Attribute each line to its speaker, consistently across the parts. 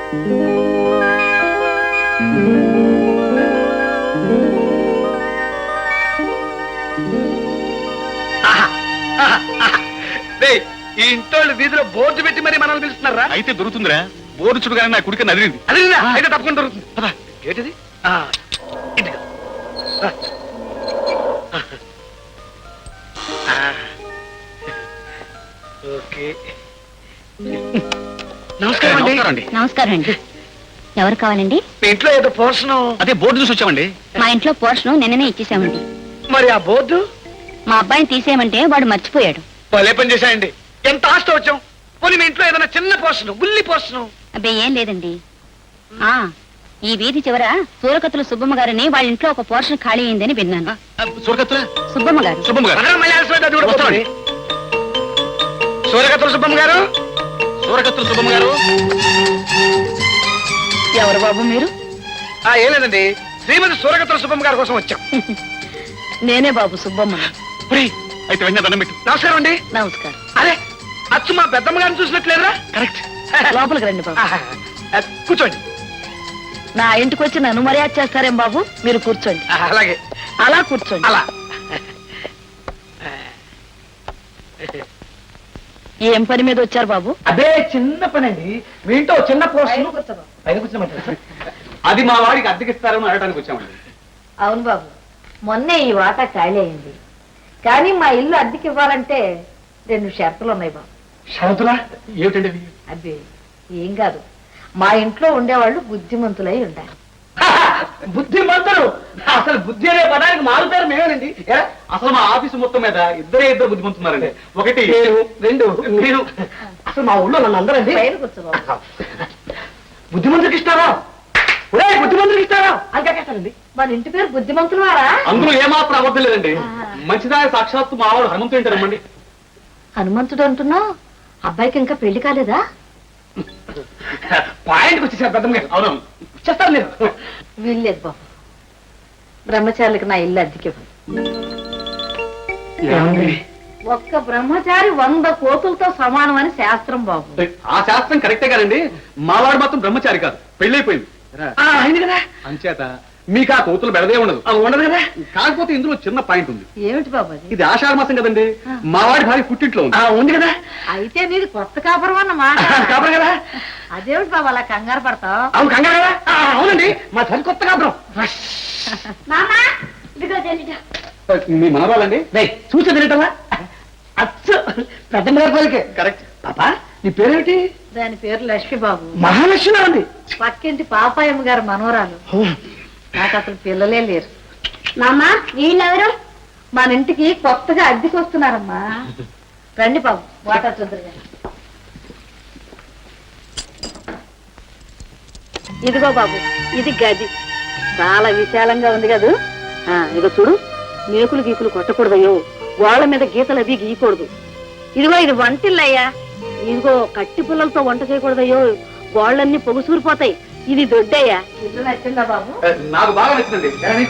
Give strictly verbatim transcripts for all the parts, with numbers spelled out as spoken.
Speaker 1: ఈ ఇంట్లో వీధిలో బోర్డు పెట్టి మరి మనల్ని పిలుస్తున్నారా?
Speaker 2: అయితే దొరుకుతుందిరా. బోర్డు చుడుగానే నా కుడికి నదిలింది.
Speaker 1: అదిరిందా? అయితే తప్పకుండా దొరుకుతుంది. ఏంటిది? ఓకే. నమస్కారం అండి.
Speaker 3: నమస్కారం అండి. ఎవరు కావాలండి?
Speaker 1: మీ ఇంట్లో ఏదో పోర్షను.
Speaker 2: అదే బోర్డు చూసి వచ్చామండి.
Speaker 3: మా ఇంట్లో పోర్షను నిన్ననే ఇచ్చేసామండి.
Speaker 1: మరి ఆ బోర్డు
Speaker 3: మా అబ్బాయిని తీసేయమంటే వాడు మర్చిపోయాడు.
Speaker 1: భలే పని చేశాయండి. ఎంత ఆస్తి వచ్చాం. పోనీ మీ ఇంట్లో ఏదైనా చిన్న పోర్షను, బుల్లి పోర్షను.
Speaker 3: అబ్బే ఏం లేదండి. ఆ ఈ వీధి చివర సూరకత్తుల సుబ్బమ్మ గారిని వాళ్ళ ఇంట్లో ఒక పోర్షన్ ఖాళీ అయిందని విన్నాను.
Speaker 2: సూరకత్తుల
Speaker 3: సుబ్బమ్మ గారు.
Speaker 2: సుబ్బమ్మ గారు
Speaker 1: సూరకత్తుల సుబ్బమ్మ గారు
Speaker 2: సూరకత్తుల సుబ్బమ్మ గారు
Speaker 3: ఎవరు బాబు మీరు?
Speaker 1: ఆ ఏం లేదండి, శ్రీమతి సూరకత్తుల సుబ్బమ్మ గారి కోసం వచ్చాం.
Speaker 3: నేనే బాబు సుబ్బమ్మ.
Speaker 2: అయితే వెంటనే దండం పెట్టు.
Speaker 1: నమస్కారం అండి.
Speaker 3: నమస్కారం.
Speaker 1: అరే అచ్చు మా పెద్దమ్మ గారిని చూసినట్లేరా?
Speaker 2: కరెక్ట్.
Speaker 3: లోపలికి రండి బాబు.
Speaker 1: కూర్చోండి.
Speaker 3: నా ఇంటికి వచ్చి నన్ను మర్యాద చేస్తారేం బాబు? మీరు కూర్చోండి.
Speaker 1: అలాగే.
Speaker 3: అలా కూర్చోండి.
Speaker 1: అలా.
Speaker 3: ఏం పని మీద వచ్చారు బాబు?
Speaker 1: అదే చిన్న పని అండి. మీ ఇంట్లో చిన్న పోర్షన్ పైన కూర్చోమంటారు.
Speaker 2: అది మా వాడికి అద్దెకిస్తారని అడగడానికి వచ్చామండి.
Speaker 4: అవును బాబు, మొన్నే ఈ వాటా ఖాళీ అయింది. కానీ మా ఇల్లు అద్దెకి ఇవ్వాలంటే రెండు షరతులు ఉన్నాయి బాబు.
Speaker 1: షరతులా? ఏమిటండి?
Speaker 4: అదే ఏం కాదు, మా ఇంట్లో ఉండేవాళ్ళు బుద్ధిమంతులై ఉండాలి.
Speaker 1: బుద్ధిమంతులు? అసలు బుద్ధి అనే పదానికి మారు పేరు మేమేనండి.
Speaker 2: అసలు మా ఆఫీసు మొత్తం మీద ఇద్దరే ఇద్దరు బుద్ధిమంటున్నారండి. ఒకటి
Speaker 1: నేను, రెండు మీరు. అసలు మా ఊళ్ళో నన్ను అందరండి
Speaker 4: పైన కూర్చో బాబు.
Speaker 1: బుద్ధిమంతుడికి ఇస్తారా? ఒరే బుద్ధిమంతుడికి ఇస్తారా అని కాకేస్తానండి.
Speaker 4: మన ఇంటి పేరు బుద్ధిమంతులు వారా?
Speaker 2: అందులో ఏమాత్రం అబద్ధం లేదండి. మంచిదాయ సాక్షాత్తు మా వాడు హనుమంతుడు ఏంటారమ్మండి.
Speaker 4: హనుమంతుడు అంటున్నావు? అబ్బాయికి ఇంకా పెళ్లి కాలేదా?
Speaker 1: పాయింట్కి వచ్చేసారు పెద్దమ్మ గారు.
Speaker 2: అవునవును,
Speaker 1: చేస్తారు మీరు.
Speaker 4: వీల్లేదు బాబు, బ్రహ్మచారులకు నా ఇల్లు అద్దెకి ఒక్క బ్రహ్మచారి వంద కోతులతో సమానం అని శాస్త్రం బాబు.
Speaker 2: ఆ శాస్త్రం కరెక్టే కదండి. మా వాడు మాత్రం బ్రహ్మచారి కాదు, పెళ్ళైపోయింది.
Speaker 1: అయింది కదా.
Speaker 2: అంచేత మీకు ఆ కోతులు బెడదే ఉండదు.
Speaker 1: ఉండదు కదా.
Speaker 2: కాకపోతే ఇందులో చిన్న పాయింట్ ఉంది.
Speaker 4: ఏమిటి బాబు అది?
Speaker 2: ఇది ఆషాఢ మాసం కదండి. మా వాడి భార్య పుట్టింట్లో ఉంది.
Speaker 1: ఉంది కదా.
Speaker 4: అయితే నీది కొత్త కాపురం అన్నమాట.
Speaker 1: కాపురం కదా.
Speaker 4: అదేమిటి బాబు అలా కంగారు పడతావు?
Speaker 1: అవును కంగారు కదా. అవునండి, మా తల్లి కొత్త కాపురం.
Speaker 2: మీ మనవాళ్ళండి.
Speaker 1: చూసి తినటమా? అచ్చు పెద్దమ్మ గారి పలికే.
Speaker 2: కరెక్ట్.
Speaker 1: పాపా నీ పేరేమిటి?
Speaker 4: దాని పేరు లక్ష్మి బాబు.
Speaker 1: మహాలక్ష్మి ఉంది.
Speaker 4: పక్కింటి పాపాయమ్మ గారు మనవరాలు. నాకు అసలు పిల్లలే లేరు.
Speaker 3: నామ్మా వీళ్ళెవరు?
Speaker 4: మన ఇంటికి కొత్తగా అద్దెకి వస్తున్నారమ్మా. రండి బాబు, వాటర్ చూద్దరు. ఇదిగో బాబు, ఇది గది. చాలా విశాలంగా ఉంది కదూ. ఇదిగో చూడు, మేకులు గీకులు కొట్టకూడదయ్యో, వాళ్ళ మీద గీతలు అవి గీయకూడదు. ఇదిగో ఇది వంటిల్లయ్యా. ఇదిగో కట్టి పుల్లలతో వంట చేయకూడదయ్యో, గోళ్ళన్నీ పొగుసూరిపోతాయి. ఇది దొడ్డయ్యా. ఇల్లు నచ్చిందా బాబు?
Speaker 2: నాకు బాగా నచ్చిందండి.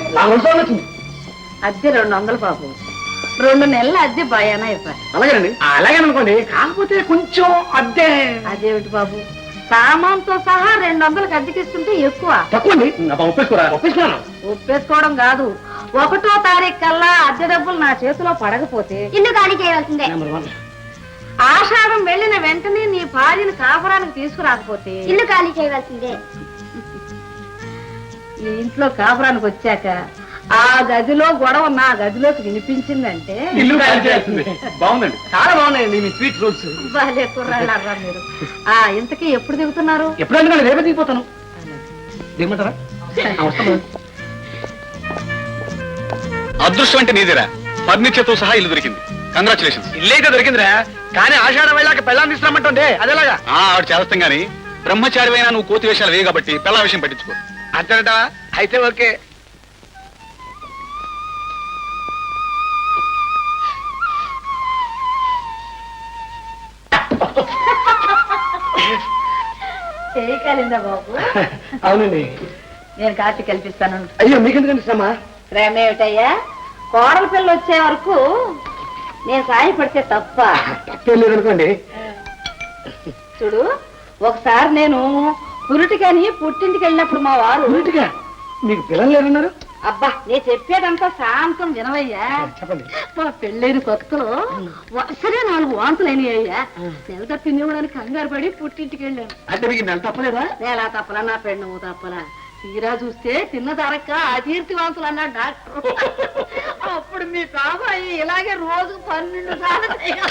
Speaker 4: అద్దె రెండు వందలు బాబు. రెండు నెలల అద్దె భయానా ఇవ్వాలి.
Speaker 2: అలాగేనండి.
Speaker 1: అలాగే అనుకోండి, కాకపోతే కొంచెం అద్దె.
Speaker 4: అదేమిటి బాబు, సామాన్తో సహా రెండు వందలకు అద్దెకిస్తుంటే ఎక్కువ.
Speaker 1: తక్కువండి.
Speaker 2: ఒప్పేసుకోరా?
Speaker 1: ఒప్పించుకున్నాను.
Speaker 4: ఒప్పేసుకోవడం కాదు, ఒకటో తారీఖు కల్లా అద్దె డబ్బులు నా చేతిలో పడకపోతే
Speaker 3: ఇల్లు ఖాళీ చేయవలసిందే.
Speaker 4: ఆషాఢం వెళ్ళిన వెంటనే నీ భార్యను కాపురానికి తీసుకురాకపోతే
Speaker 3: ఇల్లు ఖాళీ చేయవలసిందే.
Speaker 4: ఈ ఇంట్లో కాపురానికి వచ్చాక ఆ గదిలో గొడవ నా గదిలోకి వినిపించిందంటే
Speaker 2: ఇల్లు ఖాళీ చేయాల్సిందే. బాగుందండి,
Speaker 1: చాలా బాగున్నాయండి మీ స్వీట్ రూల్స్.
Speaker 4: బాలే కుర్రాళ్ళరా మీరు. ఆ ఇంతకీ ఎప్పుడు దిగుతున్నారు?
Speaker 1: ఎప్పుడైనా రేపే దిగిపోతాను. దిగమంటారా?
Speaker 2: అదృష్టం అంటే నీదేరా. ఫర్నిచర్ తో సహా ఇల్లు దొరికింది. కంగ్రాచులేషన్స్.
Speaker 1: ఇల్లైతే దొరికిందిరా, కానీ ఆషాఢం వెళ్ళాక పెళ్ళాన్ని తీసుకురామంటుండే అదేలాగా.
Speaker 2: ఆవిడ చేస్తాం గానీ బ్రహ్మచారి అయినా నువ్వు కోతి వేషాలు వేయ కాబట్టి పెళ్ళ విషయం పట్టించుకో.
Speaker 1: అంతేనటవా? అయితే ఓకే.
Speaker 4: చేయగలిందా బాబు?
Speaker 1: అవునండి.
Speaker 4: నేను కాఫీ కల్పిస్తాను.
Speaker 1: అయ్యో మీకెందుకండి శ్రమ?
Speaker 4: ప్రేమ ఏమిటయ్యా, కోడల పిల్ల వచ్చే వరకు నేను సాయపడితే తప్ప?
Speaker 1: తప్పేం లేదనుకోండి.
Speaker 4: చూడు, ఒకసారి నేను పురుటికని పుట్టింటికి వెళ్ళినప్పుడు మా వారు
Speaker 1: ఊరిటిగా మీకు పిల్లలు లేరన్నారు
Speaker 4: అబ్బా నేను చెప్పేదంతా శాంతం వినవయ్యా.
Speaker 1: చెప్పండి.
Speaker 4: మా పెళ్ళైన కొత్తలో వరుసనే నాలుగు వాంతులు అయినాయ్యా. నెల తప్పింది ఇవ్వడానికి కంగారు పడి పుట్టింటికి వెళ్ళాను.
Speaker 1: అంటే మీకు నెల తప్పలేదా?
Speaker 4: నేలా తప్పలా నా పెండము తప్పలా. తీరా చూస్తే తిన్న ధరక్క అతీర్తి వాంతులు అన్నాడు డాక్టర్. అప్పుడు మీ బాబాయి ఇలాగే రోజు పన్నెండు సార్లు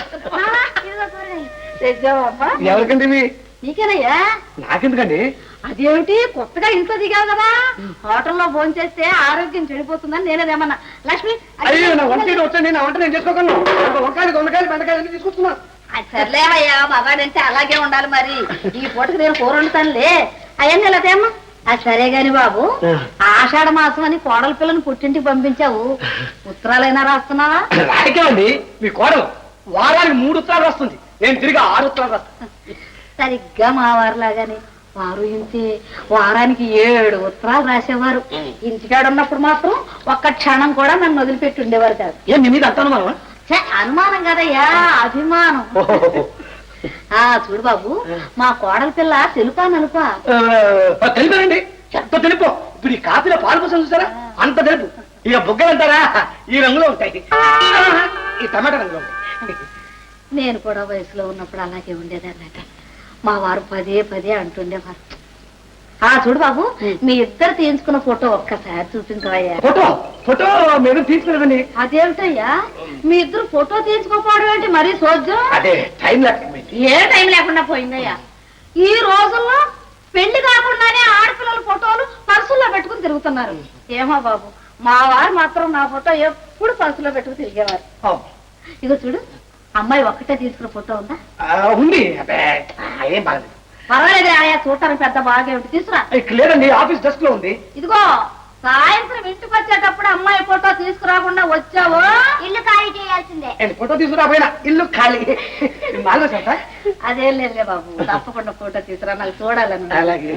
Speaker 4: తెచ్చావమ్మా.
Speaker 1: ఎవరికండి ఇవి?
Speaker 4: నీకేనయ్యా.
Speaker 1: నాకెందుకండి?
Speaker 4: అదేమిటి కొత్తగా ఇంట్లో దిగావు కదా, హోటల్లో భోజనం చేస్తే ఆరోగ్యం చెడిపోతుందని నేనేదేమన్నా. లక్ష్మి
Speaker 1: అయ్యో నా వంట వచ్చండి, నా వంట నేను చేసుకోగలను. వంకాయలు దొండకాయలు బెండకాయలు అన్ని తీసుకొస్తున్నా.
Speaker 4: సర్లేవయ్యా, మగాడంటే అలాగే ఉండాలి మరి. ఈ పూటకి నేను కూర వండుతానులే. అవన్నీ ఇలాదేమ్మా. అది సరే గాని బాబు, ఆషాఢ మాసం అని కోడల పిల్లని పుట్టింటికి పంపించావు, ఉత్తరాలైనా రాస్తున్నావా?
Speaker 1: రాయకేమండి, మీ కోడలు వారానికి మూడు ఉత్తరాలు వస్తుంది, నేను తిరిగి ఆరు ఉత్తరాలు రాస్తాను.
Speaker 4: సరిగ్గా మా వారిలాగానే వారు ఇంతే వారానికి ఏడు ఉత్తరాలు రాసేవారు. ఇంటికాడ ఉన్నప్పుడు మాత్రం ఒక్క క్షణం కూడా నన్ను వదిలిపెట్టి ఉండేవారు కాదు.
Speaker 1: ఏం మీ మీద అంత అనుమానమా?
Speaker 4: ఛే, అనుమానం కదయ్యా, అభిమానం. ఆ చూడు బాబు, మా కోడల పిల్ల తెలుపా నలుపా?
Speaker 1: తెలుపండి, ఎంత తెలుపు. ఇప్పుడు ఈ కాఫీలో పాలు కోసం చూసారా, అంత తెలుపు. ఇక బుగ్గలు అంటారా, ఈ రంగులో ఉంటాయి, ఈ టమాటా రంగులో ఉంటాయి.
Speaker 4: నేను కూడా వయసులో ఉన్నప్పుడు అలాగే ఉండేదన్నట. మా వారు పదే పదే అంటుండేవారు. ఆ చూడు బాబు, మీ ఇద్దరు తీయించుకున్న ఫోటో ఒక్కసారి చూపించవయ్యా.
Speaker 1: ఫోటో ఫోటో మేము తీసుకున్నదండి.
Speaker 4: అదేమిటయ్యా, మీ ఇద్దరు ఫోటో తీయించుకోపోవడం ఏంటి మరీ సోద్యం?
Speaker 1: అదే టైం లేకపోయింది.
Speaker 4: ఏ టైం లేకుండా పోయిందయ్యా. ఈ రోజుల్లో పెళ్లి కాకుండానే ఆడపిల్లల ఫోటోలు పర్సుల్లో పెట్టుకుని తిరుగుతున్నారు. ఏమో బాబు, మా వారు మాత్రం నా ఫోటో ఎప్పుడు పర్సులో పెట్టుకుని తిరిగేవారు. ఇగో చూడు, అమ్మాయి ఒక్కటే తీసుకున్న ఫోటో ఉందా?
Speaker 1: ఉంది. అదే ఏం బాగలేదు.
Speaker 4: పర్వాలేదు ఆయా, చూడటానికి పెద్ద బాగేమిటి, తీసుకురా.
Speaker 1: లేదండి, ఆఫీస్ డెస్క్ లో ఉంది.
Speaker 4: ఇదిగో సాయంత్రం ఇంటికి వచ్చేటప్పుడు అమ్మాయి ఫోటో తీసుకురాకుండా వచ్చావో ఇల్లు ఖాళీ చేయాల్సిందే.
Speaker 1: ఫోటో తీసుకురాపోయినా ఇల్లు ఖాళీ. మాలో సార్
Speaker 4: అదేం లేదులే బాబు, తప్పకుండా ఫోటో తీసుకురా, నాకు చూడాలని.
Speaker 1: అలాగే.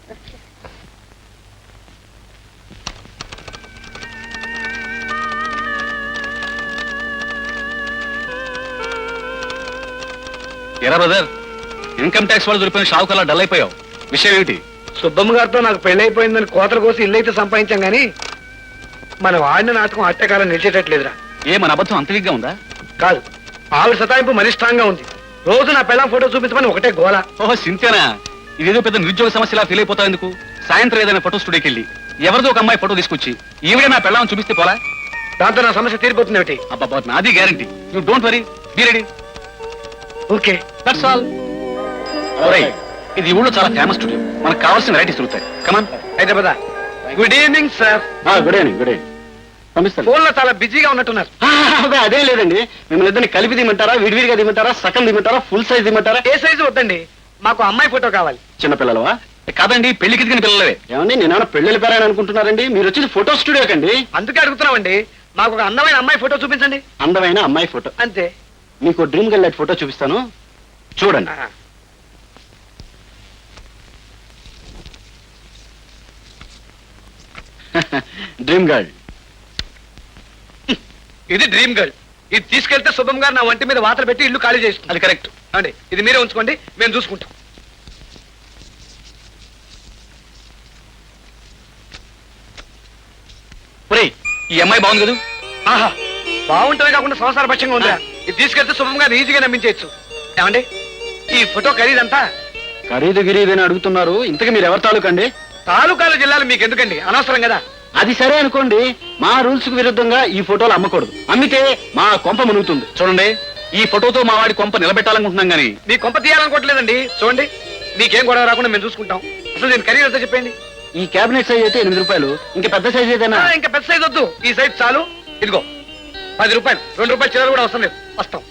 Speaker 2: ఎరా బ్రదర్, ఇన్కమ్ ట్యాక్స్ వాళ్ళు దొరికిన షావుకల్లా డల్ అయిపోయావు, విషయం ఏమిటి?
Speaker 1: సుబ్బమ్మ గారితో నాకు పెళ్లి అయిపోయిందని కోతల కోసం ఇల్లు అయితే సంపాదించాం గానీ మనం ఆడిన నాటకం అట్టకాలం నిలిచేటట్లేదురా.
Speaker 2: ఏ మన అబద్ధం అంత విగ్గా ఉందా?
Speaker 1: కాదు, ఆవిడ సతాయింపు మనిష్టంగా ఉంది. రోజు నా పెళ్ళాం ఫోటో చూపించమని ఒకటే గోల.
Speaker 2: ఓహో సింతేనా? ఇదేదో పెద్ద నిరుద్యోగ సమస్యలా ఫీల్ అయిపోతావు ఎందుకు? సాయంత్రం ఏదైనా ఫోటో స్టూడియోకి వెళ్ళి ఎవరిదో ఒక అమ్మాయి ఫోటో తీసుకొచ్చి ఈవిడే నా పెళ్ళాం చూపిస్తే పోలా?
Speaker 1: దాంతో నా సమస్య తీరిపోతుంది ఏమిటి?
Speaker 2: అబ్బా, నాది guarantee. You don't worry, be ready.
Speaker 1: Okay,
Speaker 2: that's all. ఇది ఊళ్ళో చాలా ఫేమస్ స్టూడియో, మనకు కావాల్సిన వెరైటీస్ దొరుకుతాయి. Come on.
Speaker 1: Hyderabad. Good evening sir.
Speaker 2: Good evening. Good evening. పంపిస్తాను.
Speaker 1: ఫోన్ లో చాలా బిజీగా ఉన్నట్టున్నారు.
Speaker 2: అదే లేదండి, మిమ్మల్ని ఇద్దరిని కలిపి దిమంటారా, విడివిడిగా దిమంటారా, సగం దిమంటారా, ఫుల్ సైజ్ దిమంటారా?
Speaker 1: ఏ సైజు వద్దండి, మాకు అమ్మాయి ఫోటో కావాలి.
Speaker 2: చిన్నపిల్లలవా? కాదండి, పెళ్లికి దిగిన పిల్లలవే. ఏమండి, నేనేమన్నా పెళ్లి పేరని అనుకుంటున్నారండి? మీరు వచ్చేది ఫోటో స్టూడియో కండి.
Speaker 1: అందుకే అడుగుతున్నామండి, మాకు ఒక అందమైన అమ్మాయి ఫోటో చూపించండి.
Speaker 2: అందమైన అమ్మాయి ఫోటో
Speaker 1: అంతే.
Speaker 2: మీకు డ్రీమ్ గర్ల్ ఫోటో చూపిస్తాను, చూడండి. Dream girl.
Speaker 1: ఇది డ్రీమ్ గర్ల్. ఇది తీసుకెళ్తే శుభం గారు నా వంటి మీద వాతలు పెట్టి ఇల్లు ఖాళీ చేస్తుంది.
Speaker 2: అది కరెక్ట్
Speaker 1: అండి, ఇది మీరే ఉంచుకోండి, మేము చూసుకుంటాం.
Speaker 2: ఈ అమ్మాయి బాగుంది కదా?
Speaker 1: ఆహా, బాగుంటమే కాకుండా సంసార పక్షంగా ఉందా? ఇది తీసుకెళ్తే శుభం గారు ఈజీగా నమ్మించవచ్చు. ఏమండి, ఈ ఫోటో ఖరీదంతా?
Speaker 2: ఖరీదు గిరీదని అడుగుతున్నారు, ఇంతకీ మీరు ఎవరి తాలూకండి?
Speaker 1: తాలూకాలు జిల్లాలు మీకు ఎందుకండి, అనవసరం కదా.
Speaker 2: అది సరే అనుకోండి, మా రూల్స్ కు విరుద్ధంగా ఈ ఫోటోలు అమ్మకూడదు. అమ్మితే మా కొంప మునుగుతుంది. చూడండి, ఈ ఫోటోతో మా వాడి కొంప నిలబెట్టాలనుకుంటున్నాం గానీ
Speaker 1: మీ కొంప తీయాలనుకోవట్లేదండి. చూడండి, మీకేం గొడవ రాకుండా మేము చూసుకుంటాం. అసలు నేను ఖరీదు ఎంత చెప్పండి?
Speaker 2: ఈ క్యాబినెట్ సైజ్ అయితే ఎనిమిది రూపాయలు, ఇంకా పెద్ద సైజ్ ఏదైనా?
Speaker 1: ఇంకా పెద్ద సైజ్ వద్దు, ఈ సైజ్ చాలు. ఇదిగో పది రూపాయలు, రెండు రూపాయలు చిల్లర కూడా అవసరం లేదు, వస్తాం.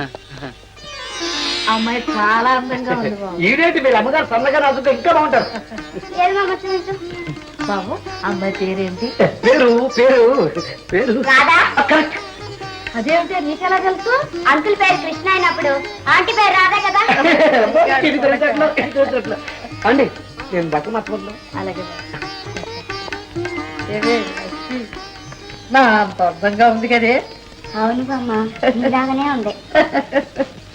Speaker 4: అమ్మాయి చాలా అందంగా ఉంది బాబు.
Speaker 1: ఈడేంటి మీరు అమ్మగారు సన్నగా రాజుగా ఇంకా బాగుంటారు.
Speaker 4: బాబు, అమ్మాయి పేరేంటి?
Speaker 1: పేరు పేరు పేరు కరెక్ట్.
Speaker 4: అదేమిటి నీకెలా తెలుసు?
Speaker 3: అంకుల్ పేరు కృష్ణ అయినప్పుడు ఆంటీ పేరు రాదా కదా?
Speaker 1: అండి, నేను బట్టలు మర్చిపోతున్నాను.
Speaker 4: అలాగే నా అంత అందంగా ఉంది కదే.
Speaker 3: అవును బామ్మ, ఇలాగనే ఉంది.